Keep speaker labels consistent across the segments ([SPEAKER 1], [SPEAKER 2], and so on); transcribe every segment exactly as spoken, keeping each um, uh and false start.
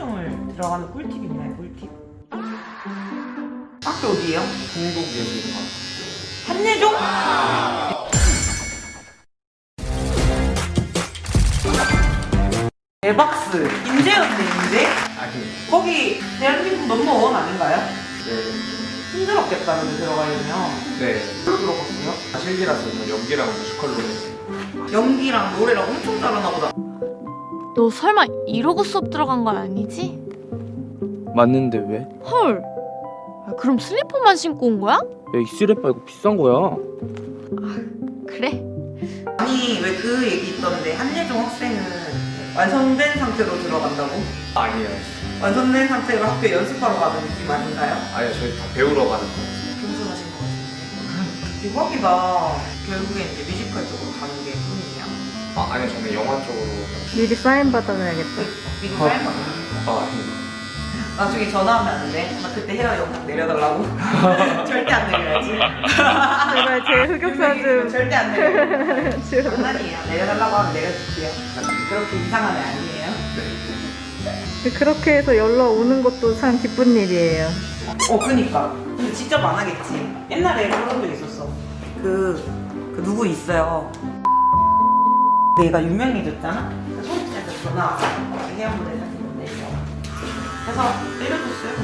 [SPEAKER 1] 한예종을 들어가는 꿀팁 있나요? 꿀팁? 학교 어디예요?
[SPEAKER 2] 한국예술관.
[SPEAKER 1] 한예종? 대박스 인재였네. 인재?
[SPEAKER 2] 아니.
[SPEAKER 1] 거기 대한민국 넘버원 아닌가요?
[SPEAKER 2] 네.
[SPEAKER 1] 힘들었겠다 근데 들어가려면.
[SPEAKER 2] 네.
[SPEAKER 1] 뭘로 들어갔어요?
[SPEAKER 2] 실기라서 뭐 연기랑 뮤지컬로 했어요.
[SPEAKER 1] 연기랑 노래랑 엄청 잘하나 보다.
[SPEAKER 3] 너 설마 이러고 수업 들어간 건 아니지?
[SPEAKER 4] 맞는데 왜?
[SPEAKER 3] 헐. 야, 그럼 슬리퍼만 신고 온 거야?
[SPEAKER 4] 야, 이 쓰레빠 이거 비싼 거야.
[SPEAKER 3] 그래?
[SPEAKER 1] 아니 왜 그 얘기 있던데 한예종 학생은 완성된 상태로 들어간다고?
[SPEAKER 2] 아니에요.
[SPEAKER 1] 완성된 상태로 학교에 연습하러 가는 느낌 아닌가요?
[SPEAKER 2] 아니요, 저희 다 배우러 가는 거예요.
[SPEAKER 1] 겸손하신 것 같은데. 대박이다. 결국에 이제 뮤지컬 쪽으로 가는 게 꿈이야.
[SPEAKER 2] 아, 아니요, 저는 영화 쪽으로.
[SPEAKER 5] 미리 사인 받아놔야겠다.
[SPEAKER 1] 미리 사인 받아.
[SPEAKER 2] 아, 아니요.
[SPEAKER 1] 나중에 전화하면 안 돼? 나 그때 헤어 영상 내려달라고? 절대 안 내려야지.
[SPEAKER 5] 제발 제 흑역사 좀.
[SPEAKER 1] 절대 안 내려. 장난이에요. 내려달라고 하면 내려줄게요. 그렇게 이상한 애 아니에요.
[SPEAKER 5] 그렇게 해서 연락 오는 것도 참 기쁜 일이에요.
[SPEAKER 1] 어, 그니까. 근데 직접 안 하겠지. 옛날에 그런 적 있었어. 그, 그 누구 있어요. 내가 유명해졌잖아? 소속사에서 전화 와서 회원분 해주는데 그래서 내려줬어요.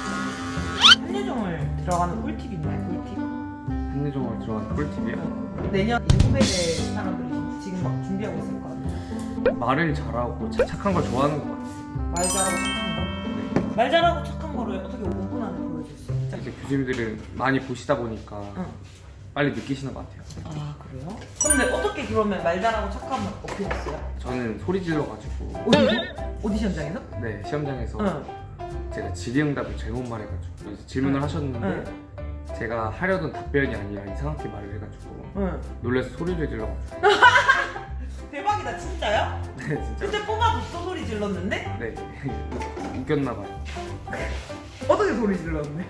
[SPEAKER 1] 한예종을 들어가는 꿀팁 있나요? 꿀팁?
[SPEAKER 2] 한예종을 들어가는 꿀팁이요?
[SPEAKER 1] 내년 후배들 사람들이 지금 막 준비하고 있을 거 아니에요?
[SPEAKER 2] 말을 잘하고 차- 착한 걸 좋아하는 것 같아요.
[SPEAKER 1] 말 잘하고 착한 거? 말 잘하고 착한 거를 어떻게 오 분 안에 보여줄 수 있죠?
[SPEAKER 2] 이제 교수님들은 많이 보시다 보니까
[SPEAKER 1] 응.
[SPEAKER 2] 빨리 느끼시는 것 같아요.
[SPEAKER 1] 아, 그래요? 근데 어떻게 그러면 말 잘하고 착함을 어필했어요?
[SPEAKER 2] 저는 소리 질러가지고
[SPEAKER 1] 어디서? 오디션장에서?
[SPEAKER 2] 네, 시험장에서
[SPEAKER 1] 응.
[SPEAKER 2] 제가 질의응답을 잘못 말해가지고 이제 질문을
[SPEAKER 1] 응.
[SPEAKER 2] 하셨는데
[SPEAKER 1] 응.
[SPEAKER 2] 제가 하려던 답변이 아니라 이상하게 말을 해가지고
[SPEAKER 1] 응.
[SPEAKER 2] 놀라서 소리를 질러가지고
[SPEAKER 1] 대박이다, 진짜요?
[SPEAKER 2] 네, 진짜.
[SPEAKER 1] 그때 뽑아줬어, 소리 질렀는데?
[SPEAKER 2] 네. 웃겼나봐요.
[SPEAKER 1] 어떻게 소리 질렀는데요?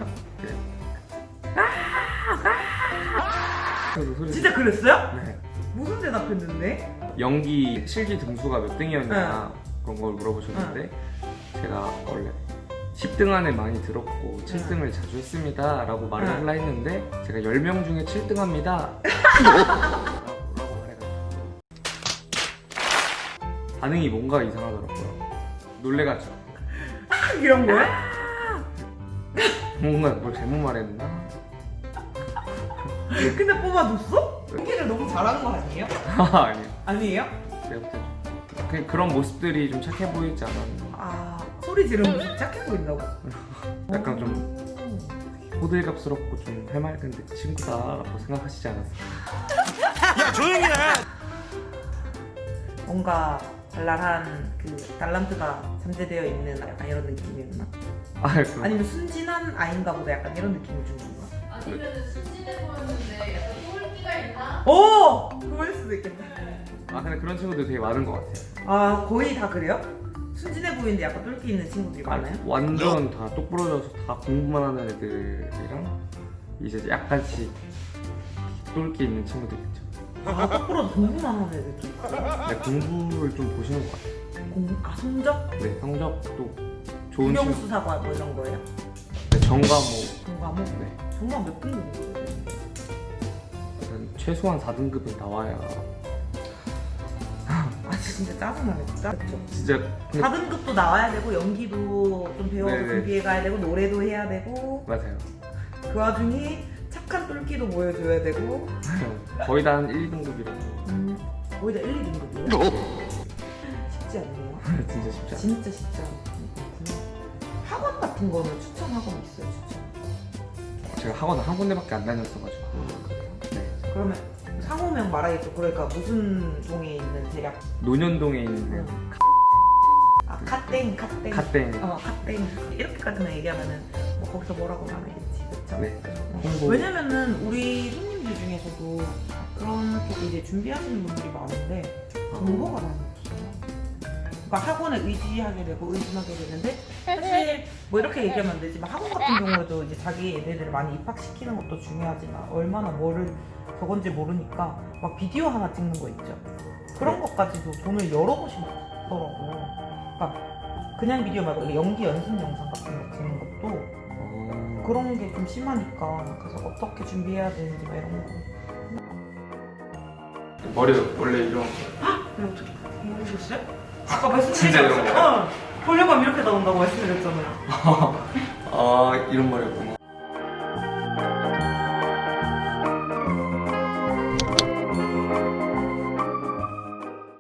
[SPEAKER 2] 저도 소리
[SPEAKER 1] 진짜 그랬어요?
[SPEAKER 2] 네.
[SPEAKER 1] 무슨 대답했는데?
[SPEAKER 2] 연기 실기 등수가 몇 등이었냐 그런 걸 물어보셨는데 제가 원래 십 등 안에 많이 들었고 칠 등을 자주 했습니다 라고 말을
[SPEAKER 1] 응.
[SPEAKER 2] 하려 했는데 제가 열 명 중에 칠 등 합니다 라고, 라고 말해가지고 반응이 뭔가 이상하더라고요. 놀래가지고
[SPEAKER 1] 이런 거야?
[SPEAKER 2] 뭔가 뭘 잘못 말했나?
[SPEAKER 1] 근데 뽑아줬어? 연기를 너무 잘하는 거 아니에요?
[SPEAKER 2] 아니요.
[SPEAKER 1] 아니에요?
[SPEAKER 2] 내가 볼때 좀 그- 그런 모습들이 좀 착해 보이지 않았나.
[SPEAKER 1] 아, 소리 지르면 착해 보인다고?
[SPEAKER 2] 약간 좀 호들갑스럽고 좀 해맑은데 친구다라고 생각하시지 않았어요?
[SPEAKER 1] 뭔가 발랄한 그 달란트가 잠재되어 있는 약간 이런 느낌이었나?
[SPEAKER 2] 아, 그럼.
[SPEAKER 1] 아니면 순진한 아이인가 보다 약간 이런 느낌을 준 건가?
[SPEAKER 6] 아니면 순진해 보였는데 약간 똘끼가 있나?
[SPEAKER 1] 오! 그럴 수도 있겠다.
[SPEAKER 2] 아 근데 그런 친구들 되게 많은 것 같아요.
[SPEAKER 1] 아, 거의 다 그래요? 순진해 보이는데 약간 똘끼 있는 친구들이 많아요?
[SPEAKER 2] 완전 다 똑부러져서 다 공부만 하는 애들이랑 이제 약간씩 똘끼 있는 친구들 있죠.
[SPEAKER 1] 아, 거꾸로 공부만 하는 애들도 있어.
[SPEAKER 2] 근데 공부를 좀 보시는 것 같아요.
[SPEAKER 1] 공부? 아, 성적?
[SPEAKER 2] 네, 성적도 좋은 친구.
[SPEAKER 1] 국영수사과 뭐 이런 거예요?
[SPEAKER 2] 네, 전과목.
[SPEAKER 1] 전과목?
[SPEAKER 2] 네,
[SPEAKER 1] 정말 몇 등급이에요?
[SPEAKER 2] 일단 최소한 사 등급은 나와야.
[SPEAKER 1] 아, 진짜 짜증나겠다. 그쵸?
[SPEAKER 2] 진짜 근데-
[SPEAKER 1] 사 등급도 나와야 되고 연기도 좀 배워서
[SPEAKER 2] 네네.
[SPEAKER 1] 준비해 가야 되고 노래도 해야 되고
[SPEAKER 2] 맞아요.
[SPEAKER 1] 그 와중에 착한 똘끼도 보여줘야 되고
[SPEAKER 2] 거의 다 한 일, 이 등급이라서
[SPEAKER 1] 음, 거의 다 일, 이 등급이에요? 쉽지 않네요.
[SPEAKER 2] 진짜 쉽지 않아요.
[SPEAKER 1] 진짜 쉽지 않구나. 학원 같은 거는 추천 학원 있어요? 추천?
[SPEAKER 2] 제가 학원을 한 군데밖에 안 다녔어가지고. 네.
[SPEAKER 1] 그러면 상호명 말하겠죠. 그러니까 무슨 동에 있는 대략
[SPEAKER 2] 논현동에 있는
[SPEAKER 1] 아, 카땡, 카땡.
[SPEAKER 2] 카땡.
[SPEAKER 1] 어, 카땡. 이렇게까지만 얘기하면은 뭐 거기서 뭐라고 말하겠지, 그쵸?
[SPEAKER 2] 네.
[SPEAKER 1] 어.
[SPEAKER 2] 홍보.
[SPEAKER 1] 왜냐면은 우리 손님들 중에서도 그런 쪽 이제 준비하시는 분들이 많은데 정보가 많이 없어요. 그러니까 학원에 의지하게 되고 의심하게 되는데 사실 뭐 이렇게 얘기하면 안 되지만 학원 같은 경우에도 이제 자기 애들을 많이 입학시키는 것도 중요하지만 얼마나 뭐를 저건지 모르니까 막 비디오 하나 찍는 거 있죠. 그런 것까지도 돈을 여러 번씩 받더라고요. 그러니까 그냥 비디오 말고 이렇게 연기 연습 영상 같은 거 찍는 것도
[SPEAKER 2] 어...
[SPEAKER 1] 그런 게 좀 심하니까 그래서 어떻게 준비해야 되는지 막 이런 거.
[SPEAKER 2] 머리 원래 이런
[SPEAKER 1] 이거 어떻게 모르겠어요? 아까 말씀드렸잖아요.
[SPEAKER 2] 진짜 이런 거?
[SPEAKER 1] 어. 보려고 하면 이렇게 나온다고 말씀드렸잖아요.
[SPEAKER 2] 아 이런 머리였구나.